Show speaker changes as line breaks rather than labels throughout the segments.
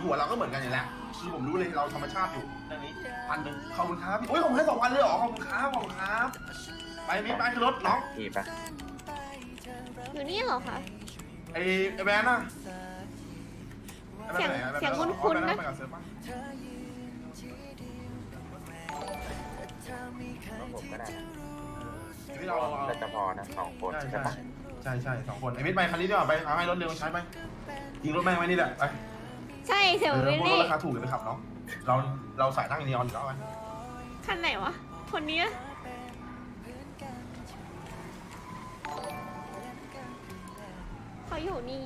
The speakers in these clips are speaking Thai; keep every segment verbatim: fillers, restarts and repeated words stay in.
หัวเราก็เหมือนกันอยู่แล้วคือผมรู้เลยเราธรรมชาติอยู่เรื่องนี้พันหนึ่งขอบคุณครับพี่โอ้ยผมให้สองพันเลยเหรอขอบคุณครับขอบคุณครับไปมิไปขึ้นรถน้อง
อีปะ
อยู่นี่เหรอคะ
ไอ้ไอ้แบนน่ะ
เสียงเสียงคุ้นๆนะ
ไปกับเซิร์ฟป่ะ
ผมก็ได้
ที่เรา
แต่จะพอนะสองคน
ใช่
ใช่
ใช่
ปะ
ใช่ใช่สองคนไอ้มิดไปคันนี้ดีกว่าไปเอาให้รถเร็วใช้ไปยิงรถแม่งไว้นี่แหละไป
ใช่เสียง
เออ
วิล
พวกรถ
ลี่
ราคาถูกเลยไปขับเนาะเราเราสายนั่งนีออนก็เอาไป
คันไหนวะ คนนี้อะเขาอยู่นี่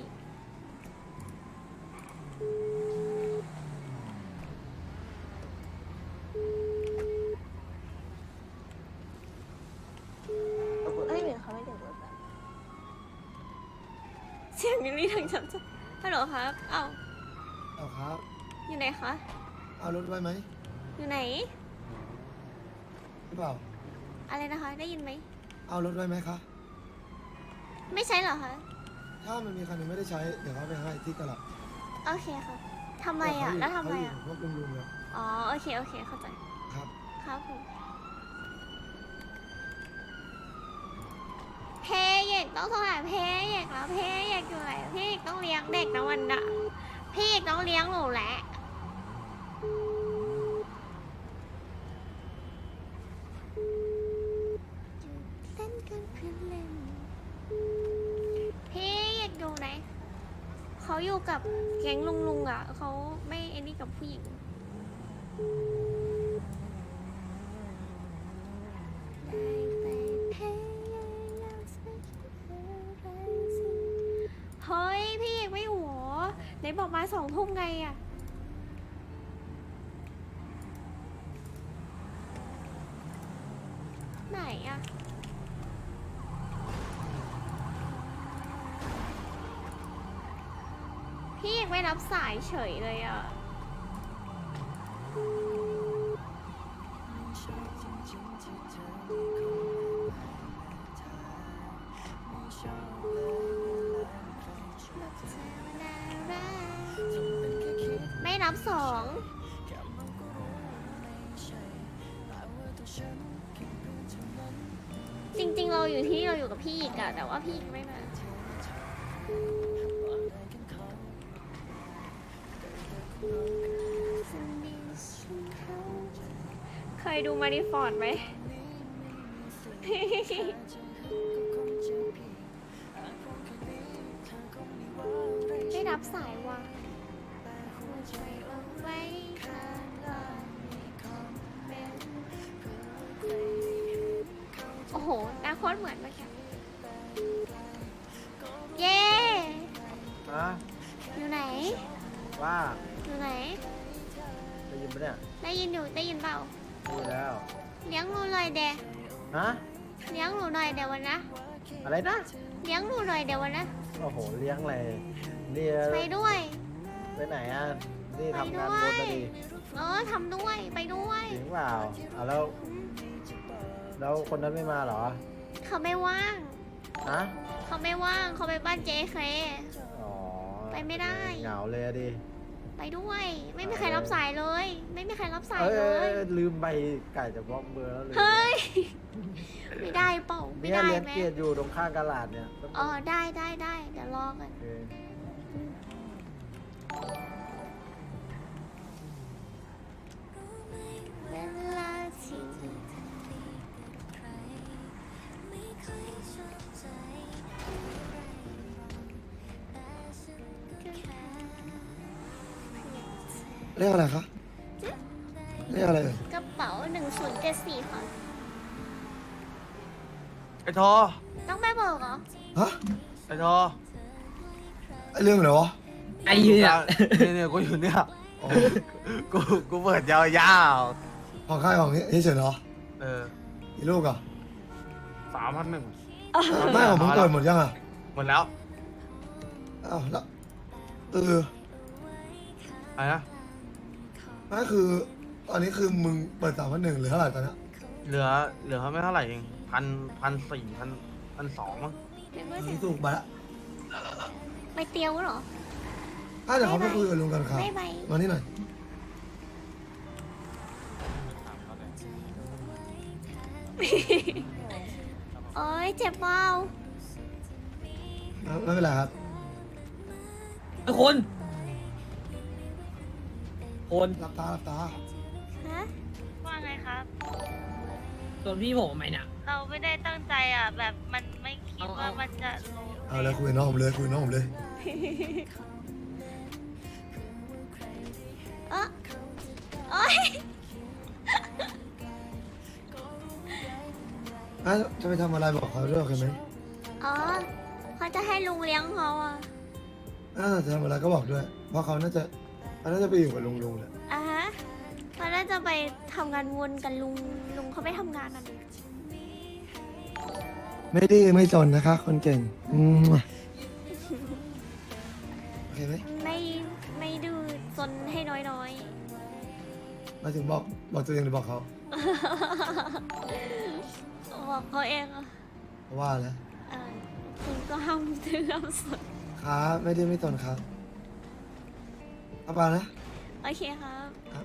เอ้ยเหมือนเขาไม่ถึงรถแบบ
เสียงวิลลี่ทางฉันฮัลโหลครับ เอ้า
เอาครับ
อยู่ไหนคะ
เอารถไว้ไหม
อยู่ไหน
หรือเปล่า
อะไรนะคะ ได้ยินไหม
เอารถไว้ไหมคะ
ไม่ใช่เหรอคะ
ถ้ามันมีคันหนึงไม่ได้ใช้ เดี๋ยวเขาไปให้ที่ตลาด
โอเคค่ะทำไมอ่ะ แล้วทำไมอ่ะ
เขายู่พวกลุงๆเนี่ย
อ๋อ โอเค โอเค เข้าใจ
ครับ
ครับผมเพเอกต้องโทรหาเพเอกแล้วเพเอกอยู่ไหนพี่เอกต้องเลี้ยงเด็กนะวันน่ะพี่เอกต้องเลี้ยงหนูแหละเล่นกันเพื่อนเล่นพี่เอกอยู่ไหนเขาอยู่กับแก๊งลุงลุงอ่ะเขาไม่ไอ้นี่กับผู้หญิงเฮ้ยพี่เอกไม่หัวไหนบอกมาสองทุ่มไงอะไหนอะพี่เอกไม่รับสายเฉยเลยอะไม่รับสองจริงๆเราอยู่ที่เราอยู่กับพี่อีกอะแต่ว่าพี่อีกไม่มาเคยดูมาริฟอร์ดไหม ไม่รับสายว่ะโอ้โหหน้าโคตรเหมือนเมื่อกี้เย้
ฮะ
อยู่ไหน
ว่า
อยู่ไหน
ได้ยินปะเนี่ย
ได้ยินอยู่ได้ยินเปล่า
ได้ยินแล้ว
เลี้ยงหนูหน่อยเดะ
ฮะ
เลี้ยงหนูหน่อยเดี๋ยววันนะ
อะไรนะ
เลี้ยงหนูหน่อยเดี๋ยววันนะ
โอ้โหเลี้ยงอะไรนี่
ไปด้วย
ไปไหนอ่ะนี่
ไป
ทำงาน
ด้ว
บ
ย
นนะดิ
เออทำด้วยไปด้วย
จริงเปล่าอ่ะแล้ว
อืม
แล้วคนนั้นไม่มาเหรอ
เขาไม่ว่าง
ฮะ
เขาไม่ว่างเขาไปบ้านเจเค
อ๋อ
ไปไม่ได้
เหงาเลยอะดิ
ไปด้วย ไม่มีใครรับสายเลย ไม่มีใครรับสาย
เอ้ย
เล
เอ้ย
ย
เอ้ยลืมใบไก่จะบล็อกเบอร์แล้วเลย
เฮ้ย ไม่ได้เปล่าไม่
เนี่ย
ได้
เลี้ยง
ไหม
เกียรติอยู่ตรงข้างกะลาดเนี่ย
อ๋อได้ได้ได้เดี๋ยวรอกัน
โอเค
เวลาที่
เรียกอะไรคะ เรียกอะไรเอ่ย
กระเป๋าหนึ่งศูนย์เจ็ดสี่ค่ะ
ไอ้ทอ
ต้องไปบอกเหรอ
ฮะ
ไอ้ทอ
ไอเรื่องอะไรวะ
ไอ้เนี่ยเนี่ยเนี่ยกูอยู่เนี่ย
อ๋อ
กูกูเปิดยาว
ของค่ายของนี่เฉยๆเนาะ
ๆเออ
อีลูกอ่ะ
สามพันหนึ่ง
ไม่ของมึงเปิดหมดยังอ่ะ
หมดแล้ว
อ้าวแล้วเออ
อะไรนะ
นั่นคือ ตอนนี้คือมึงเปิดสามพันหนึ่งหรือเท่าไหร่ตอนเนี้ย
เหลือเหลือไม่เท่าไหร่เองพันพันสี่พันพันสองมั้ง
เป็นว่า
มึ
เสี
ง
ย
ถูกไปละ
ไปเตียวเหรอ
ออ่ะเดี๋ยวเขาไปคุยกับลุงกันครับ
บ๊ายบาย
มานี่หน่อย
โอ้ยเจ็บเปล่า
ไม่ไม่เป็นไรครับ
ไอ้คนคน
หลับตาหลับตา
ฮะ
ว่าไงครับ
โดนพี่ผมทำไมเนี่ย
เราไม่ได้ตั้งใจอ่ะ แบบมันไม่คิด
เอา
ว่า
เอา
มันจะลง
เอาเลยคุยกับน้องผมเลยคุยกับน้องผมเลย
เออโอ้ย
อ่ะจะไปทำอะไรบอกเขาด้วยโอเคไหม
อ๋อเขาจะให้ลุงเลี้ยงเขาอ่ะ
อ่ะจะทำอะไรก็บอกด้วย เพราะเขาน่าจะเขาน่าจะไปอยู่กับลุงลุงแหละ
อ่ะฮะเขาน่าจะไปทำงานวนกับลุง ลุงเขาไม่ทำงานอ่ะดิ
ไม่ดื้อไม่จนนะคะคนเก่งอืมโอเคไหม
ไม่ไม่ดื้อจนให้น้อย
มาถึงบอกบอกตัวเองหรือบอกเขา
ๆบอกเขาเองอ่ะ
ว่าแล้ว
เออคุณก็ห้ามดื้อห้ามสน
ครับไม่ดื้อไม่จนครับเอาไปนะ
โอเคครับ
ครับ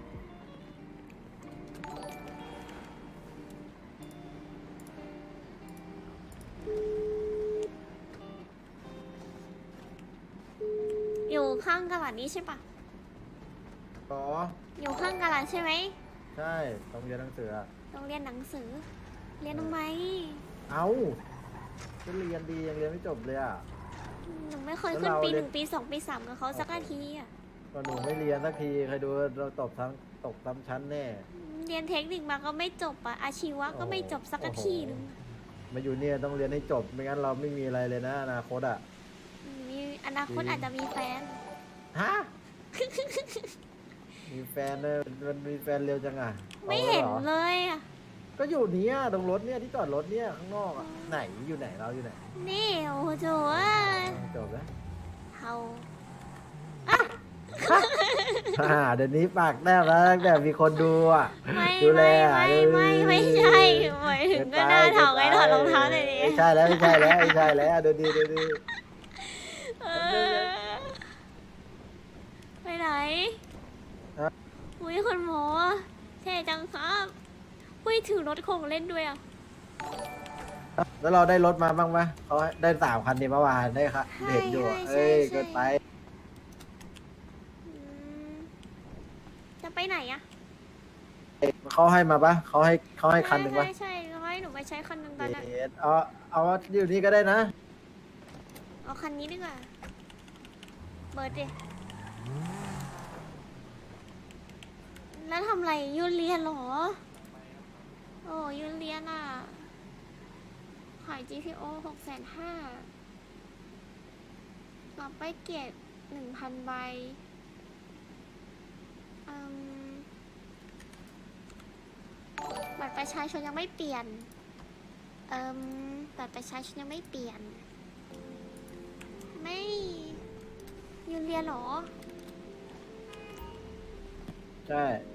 อยู่ข้างกระดาษนี้ใช่ปะ
อ๋อ
อยู่ข้างกระดาษใช่ไหม
ใช่ต้องเรียนหนังสืออะ
ต้องเรียนหนังสือ เรียนทำไม
เอ้าก็เรียนดียังเรียนไม่จบเลยอ่ะ
หนูไม่เคย
แล้ว
ขึ้น
เรา
ปี
เรี
ห
ยน
นึ่งปีสองปีสามกับเขาสักนาทีอ่ะ
ก็หนูไม่เรียนสักทีใครดูเราตกทั้งตกซ้ำชั้นแน่
เรียนเทคนิคมาก็ไม่จบอ่ะ อาชีวะก็ไม่จบสักนาทีหนึง
มาอยู่เนี่ยต้องเรียนให้จบไม่งั้นเราไม่มีอะไรเลยนะอนาคตอ่ะ
มีอนาคตอาจจะมีแฟน
ฮะ มีแฟนเลยมันมีแฟนเร็วจังอ่ะ
ไม่
อา
เห็น
รอ
เลยอ่ะ
ก็อยู่เนี้ยตรงรถเนี่ยที่จอดรถเนี่ยข้างนอกอ่ะไหนอยู่ไหนเราอยู่ไหน
นี่โอ้โหโจ้ย
จบแล้ว
เฮา
อ่าเดี๋ยวนี้ปากแนบแล้วตั้งแต่มีคนดูอ่ะ
ไม่
ดูแล
ไม่
อ่ะ
ไม่ไม่ไม่ใช่หมายถึงก็หน้าเถาไงถอดรองเท้าเลยดิ
ไม่ใช่แล้วไม่ใช่แล้วไม่ใช่แล้วดูดีดูดี
เออไปไหนอุ้ยคุณหมอเท่จังครับอุ้ยถือรถของเล่นด้วยอ่ะ
แล้วเราได้รถมาบ้างไหมเขาได้สามคันนี่เมื่อวานได้ค่ะเห็นอยู่อะเอ้ยเกินไป
อืมจะไปไหนอ่ะ
เขาให้มาปะเขาให้เขาให้คันหนึ่งปะ
ใช่ใช่เขาให้หนูไปใช้คันหนึ่งตอนนั้น
เอ็ดเอาเอาอยู่นี่ก็ได้นะ
เอาคันนี้ดีกว่าเบิร์ดดิแล้วทำไรยูเรียนเหรอ โอ้ยูเรียนอ่ะ ขาย จี พี โอ หกแสนห้ารับไปเกียรติหนึ่งพันใบอืมบัตรประชาชนยังไม่เปลี่ยนเอิมบัตรประชาชนยังไม่เปลี่ยน ไม่ยูเรียนเหรอ
ใช่